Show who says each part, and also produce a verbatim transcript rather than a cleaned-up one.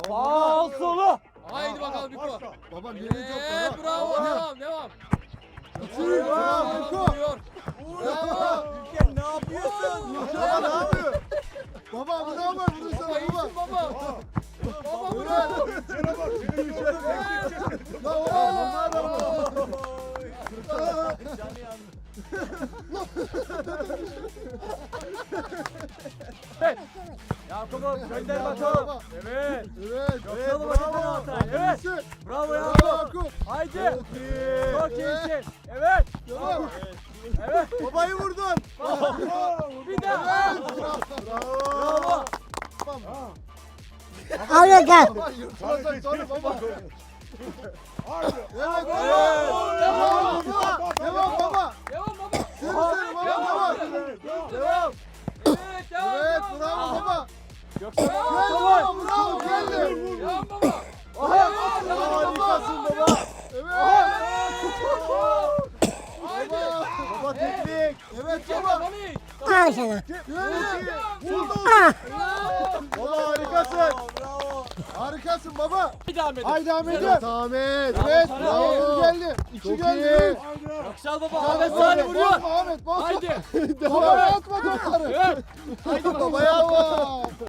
Speaker 1: Al solu.
Speaker 2: Haydi bakalım Biko.
Speaker 3: Baba
Speaker 2: Evet,
Speaker 3: birinci yok.
Speaker 2: bravo, devam, devam.
Speaker 3: Bravo Biko.
Speaker 2: Vuruyor. Bravo.
Speaker 1: Ülken ne yapıyorsun?
Speaker 3: Baba ne yapıyor? Baba bu ne yapar? Vurursana
Speaker 2: Baba iyisin
Speaker 3: baba.
Speaker 2: baba. Baba
Speaker 3: Bu
Speaker 2: vur.
Speaker 3: ne?
Speaker 4: Şuna bak. Seni bir şöyle
Speaker 3: Lan oğlum bunlar da mı?
Speaker 1: Canı yandı. Yakup'um gönder bakalım. Evet.
Speaker 3: Evet.
Speaker 1: Evet, bravo. Evet. Bravo
Speaker 3: Bravo
Speaker 1: Yakup.
Speaker 3: Yakup.
Speaker 1: Haydi.
Speaker 3: Çok iyi.
Speaker 1: Çok iyisin. Evet.
Speaker 3: Devam.
Speaker 1: Evet.
Speaker 3: Babayı vurdun.
Speaker 1: Bir daha.
Speaker 3: Bravo.
Speaker 1: Bravo.
Speaker 5: Al gel.
Speaker 3: Baba yırtılacak sonra baba.
Speaker 4: Haydi.
Speaker 3: Evet baba.
Speaker 2: Evet.
Speaker 3: Devam baba. Devam baba.
Speaker 2: Devam baba.
Speaker 3: Yürü seni baba devam.
Speaker 1: Devam.
Speaker 2: Evet, devam,
Speaker 3: Evet
Speaker 2: devam,
Speaker 3: bravo
Speaker 2: devam.
Speaker 3: baba.
Speaker 1: Yoksa
Speaker 3: Geldi baba bravo geldi.
Speaker 2: Devam baba.
Speaker 1: Aha.
Speaker 2: Evet, devam
Speaker 1: Harikasın
Speaker 2: baba.
Speaker 1: baba.
Speaker 3: Evet.
Speaker 2: Haydi.
Speaker 3: Baba. Baba teknik. Evet
Speaker 2: Baba,
Speaker 3: baba.
Speaker 2: Mami.
Speaker 5: Al sana.
Speaker 3: Geldi.
Speaker 5: Ah.
Speaker 3: Baba harikasın.
Speaker 1: Bravo.
Speaker 3: Harikasın baba.
Speaker 2: Bir daha Ahmet.
Speaker 3: Haydi Ahmet.
Speaker 2: Evet,
Speaker 3: Ahmet.
Speaker 1: Bravo
Speaker 3: Evet
Speaker 1: sana.
Speaker 3: bravo. geldi. İki Çok geldi. iyi.
Speaker 4: Haydi.
Speaker 1: Yoksal baba.
Speaker 3: Ahmet
Speaker 1: Ahmet Salih vuruyor.
Speaker 3: Bozma Ahmet bozma.
Speaker 2: Haydi.
Speaker 3: Babaya atma topları.
Speaker 2: Evet. Haydi bakalım.
Speaker 3: Babaya atma.